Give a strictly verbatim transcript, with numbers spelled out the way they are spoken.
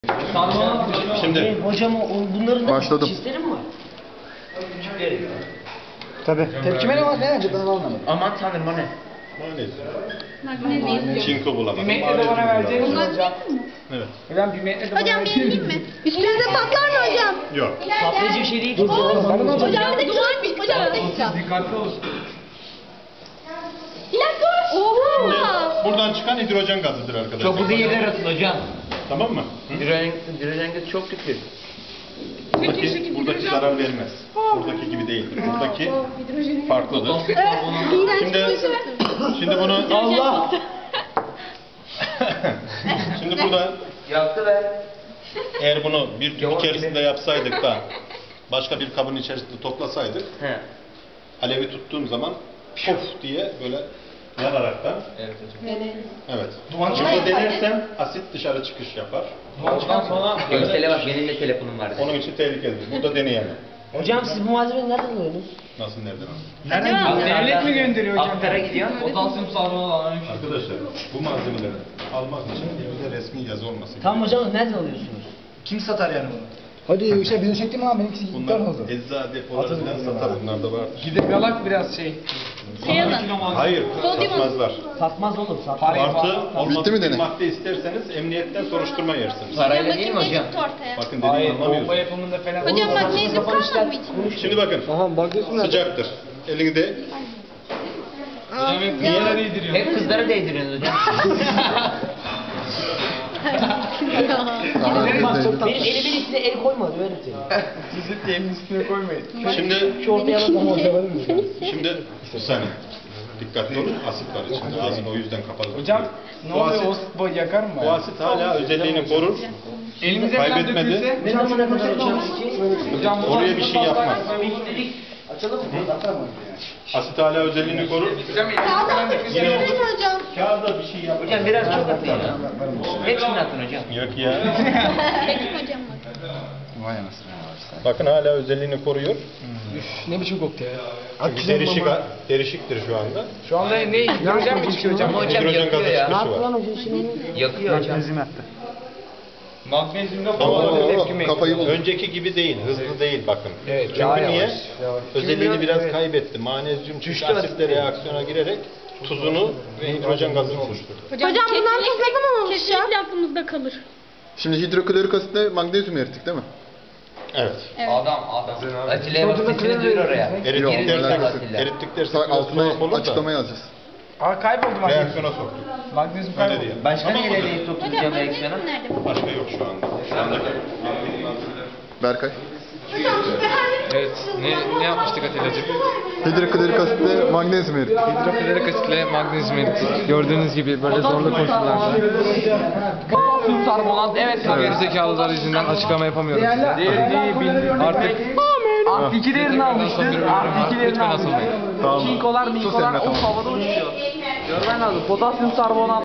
Şimdi hocam o bunların da Başladım. çizleri mi var? Küçükleri. Tabii. Tepkimeli var ne önce ben anlamadım. Aman tanrım o ne? maalesef. Çinko bulamadım. Pimentle de bana vereceğiniz mi hocam? Evet. Ben pimentle de bana Hocam vereceğiniz beğeneyim mi? Üstünüze patlar mı hocam? Yok. Patlayıcı bir şey değil. Hocam bir dakika. Hocam bir dakika. Dikkatli olun. Bir dakika. Oha. Buradan çıkan hidrojen gazıdır arkadaşlar. Çok uzun yerler atın hocam. Tamam mı? Hı? Hidrojen, hidrojen gazı çok kötü. Buradaki, buradaki zarar vermez. Buradaki gibi değildir. Buradaki farklıdır. Şimdi, şimdi bunu Allah! şimdi burada Yaktı be. eğer bunu bir tüp içerisinde yapsaydık da başka bir kabın içerisinde toplasaydık, He. alevi tuttuğum zaman pof diye böyle yanaraktan, Evet hocam. evet. Şimdi denersem asit dışarı çıkış yapar. Ondan sonra Görsele bak benim de telefonum vardı. Onun için tehlikelidir. Burada deneyemem. Hocam siz bu malzemeyi nereden alıyorsunuz? Nasıl nereden? nereden devlet mi gönderiyor hocam? Aktara gidiyor. Potasyum sarmalı alan bir şey. Arkadaşlar bu malzemeleri almak için elimizde resmi yazı olması gerekiyor. Tamam hocam nereden alıyorsunuz? Kim satar yani bunu? Hadi işte bize çektim ama benimkisi iptal Bunlar oldu. eczacı depoları falan satar, bunlar da var. Gidip yalak biraz şey. Şey alın. Hayır, Sodyum satmazlar. Satmaz oğlum satmaz. Parayı Artı falan- olmadık Bitti mi bir deney? madde isterseniz emniyetten soruşturma yersiniz. Parayla değil mi Bakayım ne hocam? çıktı ortaya. Bakın Hayır, dediğimi bomba anlamıyorsunuz. yapımında falan. Hocam Olur. magnezyum kalmadı mı içinde? Şimdi bakın, sıcaktır. Elinde Hocam hep kızlara değdiriyor. Hep kızlara değdiriyorsunuz hocam. Benim elimin üstüne el koyma öyle seni. Sizin de elin üstüne koymayın. Şimdi Şu ortaya bak ama hocam. şimdi bir saniye. Dikkatli olun, asit var içinde. Ağzını o yüzden kapalı. Hocam ne Bu oluyor? asit- O boy yakar mı? Bu asit hala özelliğini korur. Elimize falan kaybetmedi. dökülse. Ne zamana kadar hocam? Hocam bu Oraya bir şey yapmaz. Dedik. Açalım mı? Asit hala özelliğini korur. Hocam elimize falan dökülse. Yine Değil mi hocam? kağıda bir şey yapmaz. Hocam biraz çok atın ya. Hepsini atın hocam. Yok ya. Çekim hocam. Vay anasını. Bakın hala özelliğini koruyor. Ne biçim koktu ya? Çünkü derişik, derişiktir şu anda. Şu anda ne? Hidrojen mi çıkıyor hocam? Ama hocam Hidrojen yakıyor gazı ya. çıkışı var. Yakıyor hocam. Magnezyumda Oo, falan tepki mi? kafayı buldu. Önceki gibi değil, hızlı değil bakın. Evet, Çünkü daha niye? yavaş, yavaş. Özelliğini Çünkü biraz evet. kaybetti. Manezyum çünkü asitle reaksiyona girerek tuzunu ve hidrojen gazını oluşturdu. Hocam bundan tuz ne zaman oluşacak? Kesinlikle aklımızda kalır. Şimdi hidroklorik asitle magnezyum erittik değil mi? Evet. Adam adam. Atilla'ya bak sesini duyur oraya. Erittik Yok, dersek, alakası yok. erittik dersek Sa- biraz altına tuhaf olur da açıklama yazacağız. Aa kayboldu magnezyum. reaksiyona soktuk. Magnezyum Öyle kayboldu. diyelim. Başka Tamam neyle mıdır? deyip Hocam sokacağım reaksiyona? magnezyum nerede? Başka yok şu anda. Şu anda Berkay. Evet, ne, ne yapmıştık Atilla'cığım? Hidroklorik asitle magnezyum erittik. Hidroklorik asitle magnezyum erittik. Gördüğünüz gibi böyle zorlu koşullarda. Potasyum karbonat evet. Geri zekalılar yüzünden açıklama yapamıyorum size. Değerli bildik. Artık Artı iki değerini almıştır. Son bir bölüm var. Artı iki değerini Lütfen almıştır. asılmayın. Tamam. Çinkolar, Sus minkolar Emre, o tamam. havada uçuyor. Görmen lazım. Potasyum karbonat